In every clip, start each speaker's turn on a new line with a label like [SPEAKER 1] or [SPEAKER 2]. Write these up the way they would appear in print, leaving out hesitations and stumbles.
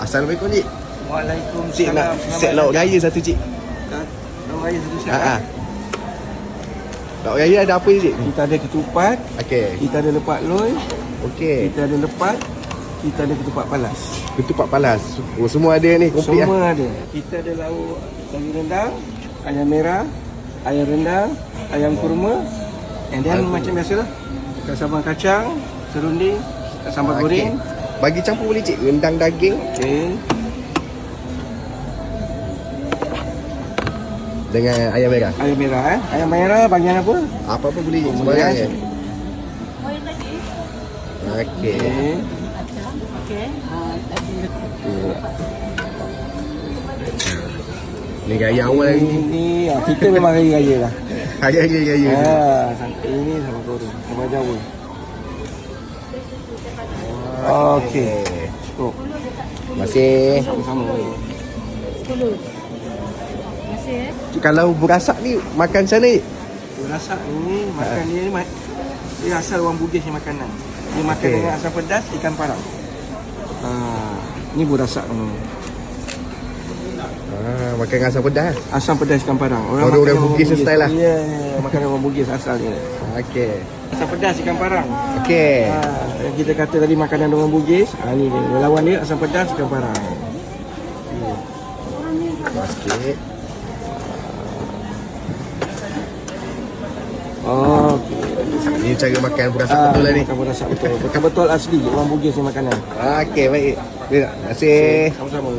[SPEAKER 1] Assalamualaikum cik. Cik
[SPEAKER 2] Waalaikumsalam.
[SPEAKER 1] nak set lauk raya satu cik.
[SPEAKER 2] Lauk raya satu set.
[SPEAKER 1] Ha. Lauk raya ada apa je cik?
[SPEAKER 2] Kita ada ketupat,
[SPEAKER 1] Okey.
[SPEAKER 2] kita ada lepak loy,
[SPEAKER 1] Okey.
[SPEAKER 2] kita ada lepat, kita ada ketupat palas.
[SPEAKER 1] Ketupat palas. Oh semua ada ni komplit
[SPEAKER 2] Semua ada. Kita ada lauk sayur rendang, ayam merah, ayam rendang, ayam kurma, and then macam biasalah. Kita sambal kacang, serunding, sambal goreng.
[SPEAKER 1] Bagi campur boleh cik, rendang daging
[SPEAKER 2] Okey.
[SPEAKER 1] dengan ayam merah.
[SPEAKER 2] Ayam merah Ayam merah bagian apa?
[SPEAKER 1] Apa-apa boleh cik, sembarang
[SPEAKER 2] Boleh,
[SPEAKER 1] ya.
[SPEAKER 2] cik.
[SPEAKER 1] Okey.
[SPEAKER 2] Okey.
[SPEAKER 1] Ni raya awal lagi.
[SPEAKER 2] Ini kita memang raya-raya lah.
[SPEAKER 1] Raya.
[SPEAKER 2] Ini sama goreng, sama Jawa. Okey. Cukup.
[SPEAKER 1] Masih.
[SPEAKER 2] Sama-sama.
[SPEAKER 1] Cik, kalau berasak ni makan macam mana cik?
[SPEAKER 2] Rasa ini makan dia asal orang Bugis ni makanan. Dia makan
[SPEAKER 1] Okey.
[SPEAKER 2] dengan asam pedas ikan parang. Ni burasak ni.
[SPEAKER 1] Makan dengan asam pedas.
[SPEAKER 2] Asam pedas ikan parang.
[SPEAKER 1] Orang
[SPEAKER 2] makan
[SPEAKER 1] Bugis style lah.
[SPEAKER 2] Ya, makan orang Bugis asal ni.
[SPEAKER 1] Okey.
[SPEAKER 2] Asam pedas ikan parang.
[SPEAKER 1] Okey.
[SPEAKER 2] Yang kita kata tadi makanan orang Bugis, ni dia. Lawan dia asam pedas ikan parang.
[SPEAKER 1] Sikit.
[SPEAKER 2] Okey.
[SPEAKER 1] Ni cara makan berasak betul lah ni.
[SPEAKER 2] Makan burasak betul. Betul-betul asli orang Bugis ni makanan.
[SPEAKER 1] Okey, baik. Terima kasih.
[SPEAKER 2] Sama-sama.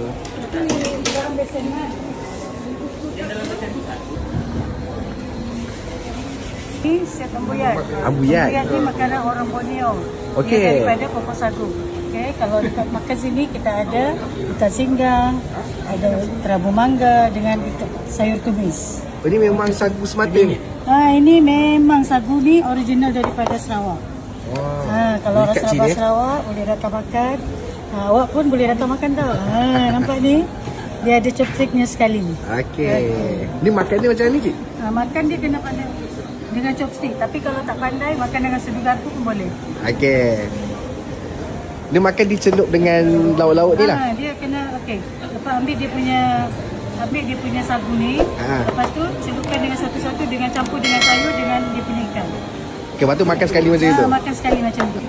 [SPEAKER 3] Ini set ambuyat.
[SPEAKER 1] Ambuyat.
[SPEAKER 3] Ambuyat ni makanan orang Borneo.
[SPEAKER 1] Okey.
[SPEAKER 3] Dia daripada pokok sagu. Okey, kalau dekat makan sini kita ada ikan singgang, ada terabu mangga dengan sayur tumis.
[SPEAKER 1] Oh, ni memang sagu semata ni.
[SPEAKER 3] Ini memang sagu ni original daripada Sarawak. Kalau orang
[SPEAKER 1] Dekat
[SPEAKER 3] Sabah
[SPEAKER 1] sini,
[SPEAKER 3] Sarawak boleh datang makan. Awak pun boleh datang makan tau. Nampak ni? Dia ada chopsticknya sekali.
[SPEAKER 1] Okey. Ni makan dia macam ni cik?
[SPEAKER 3] Makan dia kena pandai dengan chopstick. Tapi kalau tak pandai, makan dengan sedu garpu pun boleh.
[SPEAKER 1] Okey. Dia makan dicelup dengan lauk-lauk ni lah.
[SPEAKER 3] Dia kena, lepas ambil dia punya sagu ni. Lepas tu celupkan dengan satu-satu dengan campur dengan sayur dengan dia punya ikan.
[SPEAKER 1] Okey, lepas tu makan sekali macam tu.
[SPEAKER 3] Makan sekali macam tu.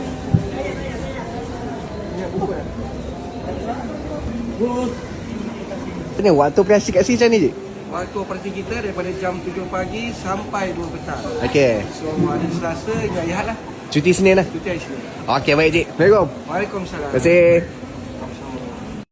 [SPEAKER 1] Ni waktu operasi kat sini macam ni cik?
[SPEAKER 2] Waktu operasi kita daripada jam 7 pagi sampai 2 petang.
[SPEAKER 1] Okey.
[SPEAKER 2] So hari Selasa hingga Ahad lah.
[SPEAKER 1] Cuti Senin lah.
[SPEAKER 2] Cuti hari Senin.
[SPEAKER 1] Okey, baik cik. Assalamualaikum.
[SPEAKER 2] Waalaikumsalam.
[SPEAKER 1] Terima kasih.